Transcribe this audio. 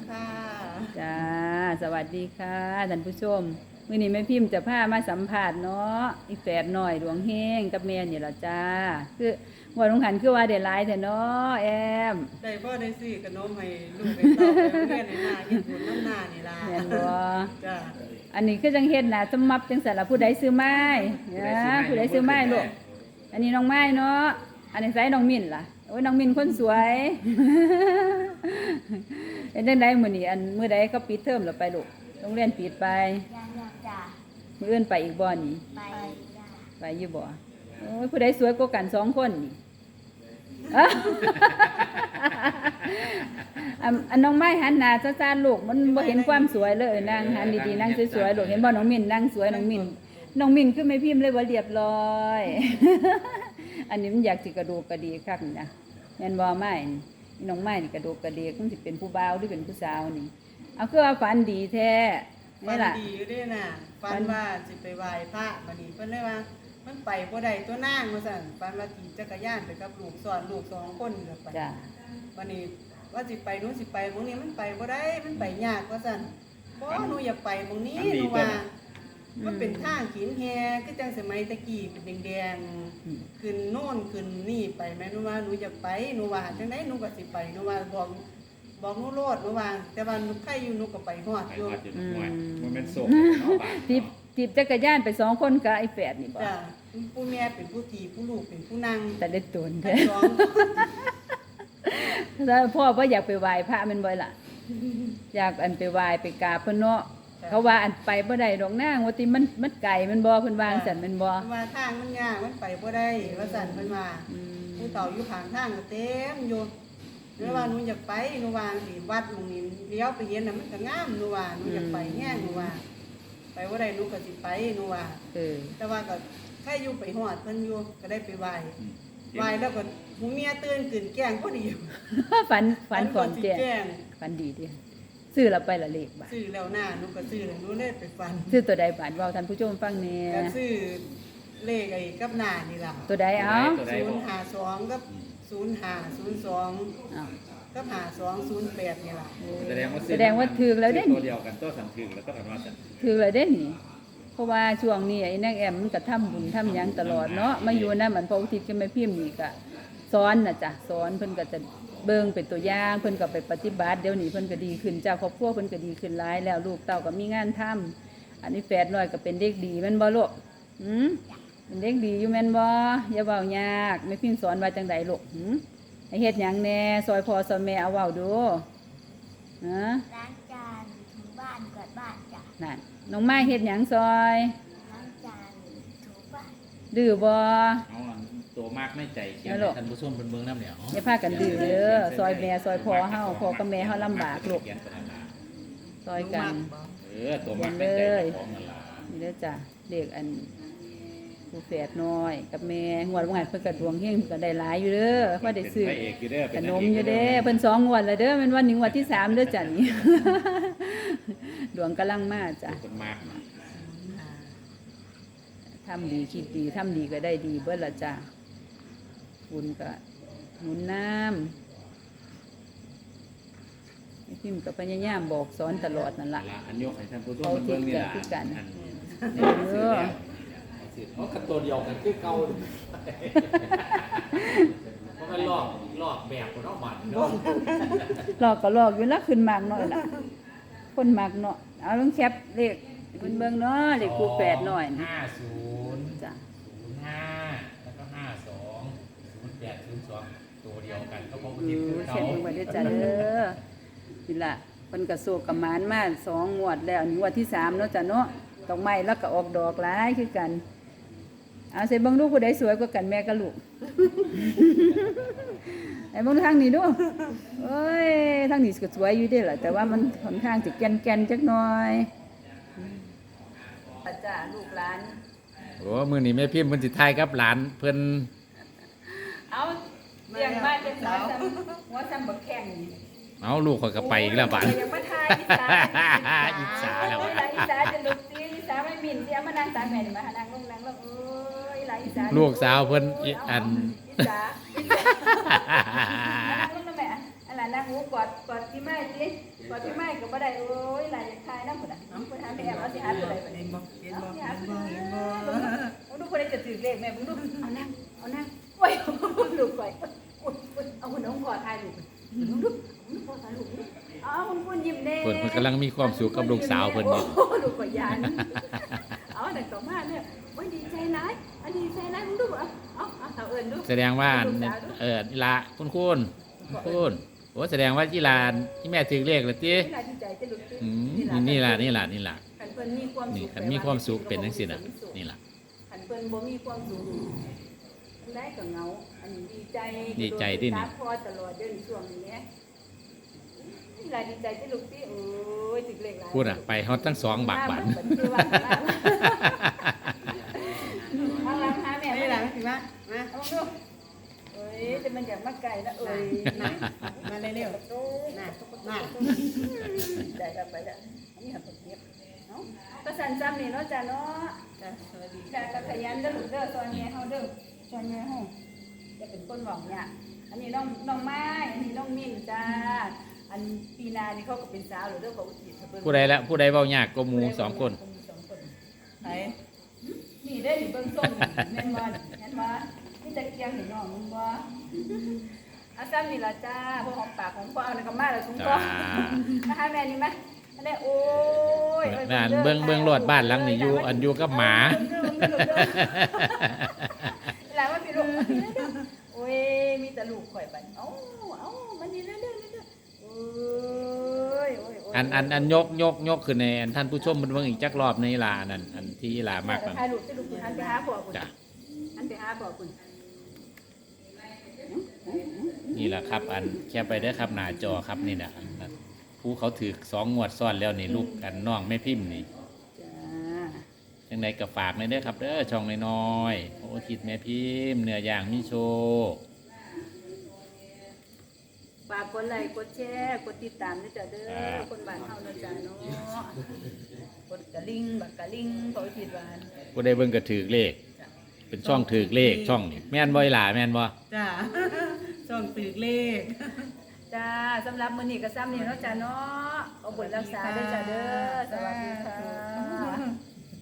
ค่ะจ้าสวัสดีค่ะท่านผู้ชมมื้อนี้แม่พิมพ์จะพามาสัมภาษณ์เนาะอีแฝดน้อยดวงเฮงกับแม่นี่ล่ะจ้าคือว่าลงหันคือว่าได้หลายแท้เนาะแอมได้พ่อได้ซื้อขนมให้ลูกให้เต้าไปโรงเรียนในหน้าเฮ็ดบุญน้ำหน้านี่ล่ะแม่นบ่จ้าอันนี้คือจังเฮ็ดน่ะสมับจังซั่นล่ะผู้ใดซื้อไม้ผู้ใดซื้อไม้ลูกอันนี้น้องไม้เนาะอันนี้ไสน้องมิ้นล่ะโอ้ยน้องมิ้นคนสวยเป็นจังได๋มื้อนี้อันมื้อใดเขาปิดเทอมแล้วไปลูกโรงเรียนปิดไปยังจ้ะมื้ออื่นไปอีกบ่นี่ไปจ้ะไปอยู่บ่โอ้ยผู้ใดสวยกว่ากัน2คนนี่อะ อันน้องไม้หันหน้าซ่าๆลูกมันบ่เห็นความสวยเลยนั่งหันดีๆนั่งสวยๆลูกเห็นบ่น้องมิ้นนั่งสวยน้องมิ้นคือไม่พิมพ์เลยว่าเรียบร้อย อันนี้มันอยากสิกระดูกกระดีคักนี่นะแม่นบ่ไม้นี่น้องไม้นี่กระดูกกระดีคงสิเป็นผู้บ่าวหรือเป็นผู้สาวนี่เอาคือว่าฝันดีแท้ฝันี่นล่ะดีอยู่เด้น่ะฝันว่าสิไปไหว้พระบัดนี้เพิ่นเลยว่ามันไปบ่ได้ตัวนางว่าซั่นฝันว่าขี่จักรยานไปกับลูกสอนลูก2คนก็ไปจ้ะบัดนี้ว่าสิไปหนูสิไปหม้องนี้มันไปบ่ได้มันไปยากว่าซั่นบ่หนูอยากไปหม้องนี้หนูว่ามันเป็นทางขีนแฮคือจังสมัยตะกี้เป็นแดงๆขึ้นโน่นขึ้นนี่ไปแม่หนูว่าหนูอยากไปหนูว่าจังได๋หนูก็สิไปหนูว่าบอกหนูโลดหนูว่าแต่ว่าหนูใครอยู่หนูก็ไปฮอดอยู่มันเป็นโศกจีบจักรยานไป2คนกับไอ้แฝดนี่บ่จ้ะผู้แม่เป็นผู้ตีผู้ลูกเป็นผู้นั่งแต่ได้ตนทั้แท้งสองแล้วพ่อบ่อยากไปไหว้พระแม่นบ่ล่ะอยากอันไปไหว้ไปกราบเพิ่นเนาะเขาว่าอันไปบ่ได้ดอกนางว่าติมันไกลแม่นบ่เพิ่นว่าจังซั่นแม่นบ่ว่าทางมันยากมันไปบ่ได้ว่าซั่นเพิ่นว่า ผู้เต่าอยู่ข้างทางก็เต็มอยู่หรือว่าหนูอยากไปหนูว่าสิวัดตรงนี้เลี้ยวไปเห็นน่ะมันก็งามหนูว่าหนูอยากไปแห้งหนูว่าไปบ่ได้หนูก็สิไปหนูว่า แต่ว่าก็ใครอยู่ไปฮอดเพิ่นอยู่ก็ได้ไปไหว้ไหว้แล้วก็หูเมียตื่นขึ้นแกล้งพอดีฝันก่อนแจ้งฝันดีดิซื้อแล้วไปละเลขบาทซื้อแล้วหน้าหนูก็ซื้อแล้วหนูเลยไปฟันซื้อตัวใดบาทเว้าท่านผู้ชมฟังแหน่ก็ซื้อเลขไอ้กับหน้านี่ล่ะตัวใดเอ้า 052กับ0502 อ้าวกับ5208นี่ล่ะแสดงว่าถือแล้วเด้ตัวเดียวกันตัวสันถึงแล้วก็กันว่าสันถือแล้วเด้นี่เพราะว่าช่วงนี้ไอ้นางแอมมันก็ทำบุญทำหยังตลอดเนาะมาอยู่นำมันพระอุทิศก็ไม่พิมพ์นี่ก็สอนน่ะจ้ะสอนเพิ่นก็จะเบิ่งเป็นตัวอย่างเพิ่นก็ไปปฏิบัติเดี๋ยวนี้เพิ่นก็ดีขึ้นเจ้าครอบครัวเพิ่นก็ดีขึ้นหลายแล้วลูกเต้าก็มีงานทำอันนี้แฝดน้อยก็เป็นเด็กดีแม่นบ่ลูกเป็นเด็กดีอยู่แม่นบ่อย่าเว้ายากแม่พิมพ์สอนว่าจังไดลูกให้เฮ็ดหยังแหน่ซอยพ่อซอยแม่เอาเว้าดูฮะล้างจานถูบ้านกวาดบ้านจ้ะนั่นน้องไม้เฮ็ดหยังซอยล้างจานถูบ้านดื้อบ่เอาตัวมากไม่ใจเขียนแล้วลูกท่านผู้ชมเป็นเบิ้งน้ำเหนียวอย่าพากันดื้อเด้อซอยแม่ซอยพ่อเฮาพ่อกับแม่เฮาลำบากลูกซอยกันตัวมากไม่ใจของนั่นล่ะนี่เด้อจ้ะเด็กอันผู้แฝดน้อยกับแม่งวดว่าเพิ่นก็ดวงเฮงเพิ่นก็ได้หลายอยู่เด้อว่าได้ซื้อพระเอกอยู่เด้อขนมอยู่เด้เพิ่น2งวดแล้วเด้อแม่นวันนี้งวดที่3เด้อจ้ะนี่ ดวงกำลังมาจ้ะคนมากทำดีคิดดีทำดีก็ได้ดีเบิดละจ้ะบุญก็หนุนน้ำไอ้พิมพ์ก็พยายามบอกสอนตลอดนั่นล่ะอันยกให้ท่านผู้ชมเป็นเบิ้งนี่ล่ะเพราะกับตัวเดียวกันคือเก่าเพราะมันลอกแบบคนนอกบ้านเนาะหลอกก็หลอกอยู่ละขึ้นมากหน่อยล่ะคนมากเนาะเอาลงแคปเลขเพิ่นเบิ่งเนาะเลขคู่แฝดหน่อยนะ 50 จ้ะ 05แล้วก็52 08 02ตัวเดียวกันก็พบเขียนเบิ่งไว้เด้อจ้ะเด้อนี่ล่ะเพิ่นก็โศกกับหมานมา2งวดแล้วนี่งวดที่3เนาะจ้ะเนาะดอกไม้แล้วก็ออกดอกหลายคือกันเอาใส่เบิ่งดูผู้ใดสวยกว่ากันแม่กับลูก ไอ้เบิ่งทางนี้ดูเอ้ยทางนี้ก็สวยอยู่เด้ล่ะแต่ว่ามันค่อนข้างสิแก่นๆจักหน่อยจ้าลูกหลานโอ้มื้อนี้แม่พิมพ์เพิ่นสิทายกับหลานเพิ่นเอาเลี้ยงมาเป็นสาวหัวซ้ำบักแข้งนี่เอาลูกข่อยก็ไปอีกแล้วบาดยังมาทายอีสาอิจฉาแล้วอีสาจะลุกซีอีสาไม่มินเดี๋ยวมานั่งตากแม่นี่มาหานั่งลงนั่งลงเอ้ยหลายอีสาลูกสาวเพิ่นอันอีสานั่งลงนะแม่อะไรนั่งหูกอดที่ไม้สิกอดที่ไม้ก็บ่ได้โอ้ยหลายอย่างคายนำพุ่นน่ะเพิ่นหาแม่เอาสิหาตัวใดบัดนี้เห็นบ่เห็นบ่เห็นบ่มึงดูคนใดจะถือเลขแม่มึงดูเอานั่งโอ้ยลูกก่อยเอาคนน้องกอดทายลูกมึงดูกอดทายลูกเอามึงยิ้มแน่เพิ่นกำลังมีความสุขกับลูกสาวเพิ่นอยู่โอ้ลูกก่อยยานเอาแต่ต่อมาเนี่ยโอ้ยดีใจหลายอันดีใจหลายมึงดูเอาเอิ้นดูแสดงว่าอีหลาคุณโอ้แสดงว่าอีหลาที่แม่ถือเลขแล้วตินี่ล่ะดีใจจะลูกนี่ล่ะคันเพิ่นมีความสุนี่ขคันมีความสุขเป็นจังซี่น่ะนี่ล่ะคันเพิ่นบ่มีความสุขอันใดก็เหงาอันดีใจดีใจที่นี่ตามพอตลอดเดือนช่วงนี้นี่ล่ะดีใจที่ลูกที่โอ้ยถึงเลขหลายพูดอ่ะไปฮอดทั้งสองบักบันเอาหลังหาแม่ไม่ไม่หลัได้งสิมามาเอาดูเอ้ยจะมันอยากมาไก่แล้วเอ้ยมาเร็วๆน่ะมาได้แล้วไปแล้วนี่หักเก็บเนาะก็สั่นจำนี่เนาะจ้ะเนาะจ้ะสวัสดีจ้ะก็ขยันเด้อลูกเด้อซอยแม่เฮาเด้อซอยแม่เฮาจะเป็นคนหวังเนี่ยอันนี้น้องไม้อันนี้น้องมิ้นจ้าอันปีนานี่เขาก็เป็นสาวหรือเด้อเขาอุทิศให้เพิ่นผู้ใดละผู้ใดเว้ายากก็หมู่สองคนไปนี่ได้เบิ่งส้มแม่นบ่แม่นบ่มีตะเกียงให้น้องมึงบ่อาซ้ำนี่ล่ะจ้าพวกหอมปากของพ่อเอาแล้วก็มาแล้วถุงจ้าก็มาหาแม่นี่มั้ยอันนี้โอ้ยบ้านเบิ่งรถบ้านหลังนี่อยู่กับหมาหลายว่าพี่ลูกโอ้ยมีแต่ลูกข่อยบัดเอ้ามันนี่เรื่อยๆโอ้ยอันยกขึ้นในอันท่านผู้ชมมันเบิ่งอีกจักรอบในลานั่นอันที่ลามากนั่นั่นนถ่ายรูปที่ลูกอันไปหาพ่อคุณจ้ะอันไปหาพ่อคุณนี่แหละครับ อันแค่ไปได้อครับหน้าจอครับนี่นะอันนั้นผู้เขาถือ2 งวดซ้อนแล้วนี่ลูกกันน้องแม่พิมพ์นี่จ้าจังไดก็ฝากในเด้อครับเด้อช่องน้อยๆโอ้ทิดแม่พิมพ์เนื้อย่างมีโชว์ฝากกดไลค์กดแชร์กดติดตามด้วยจ้ะเด้อคนบ้านเฮาเนาะจ้าเนาะกดกระลิ่งบักกระลิ่งเขาคิดว่าผู้ใดเบิ่งก็ถือเลข เป็นช่องถือเลขช่องนี่แม่นบ่อีหล่าแม่นบ่จ้ะส่งตึกเลขจ้าสำหรับมื้อนี้ก็ซ้ำนี่เนาะจ้าเนาะเอาบุญรักษาด้วยจ้าเด้อสวัสดีค่ะ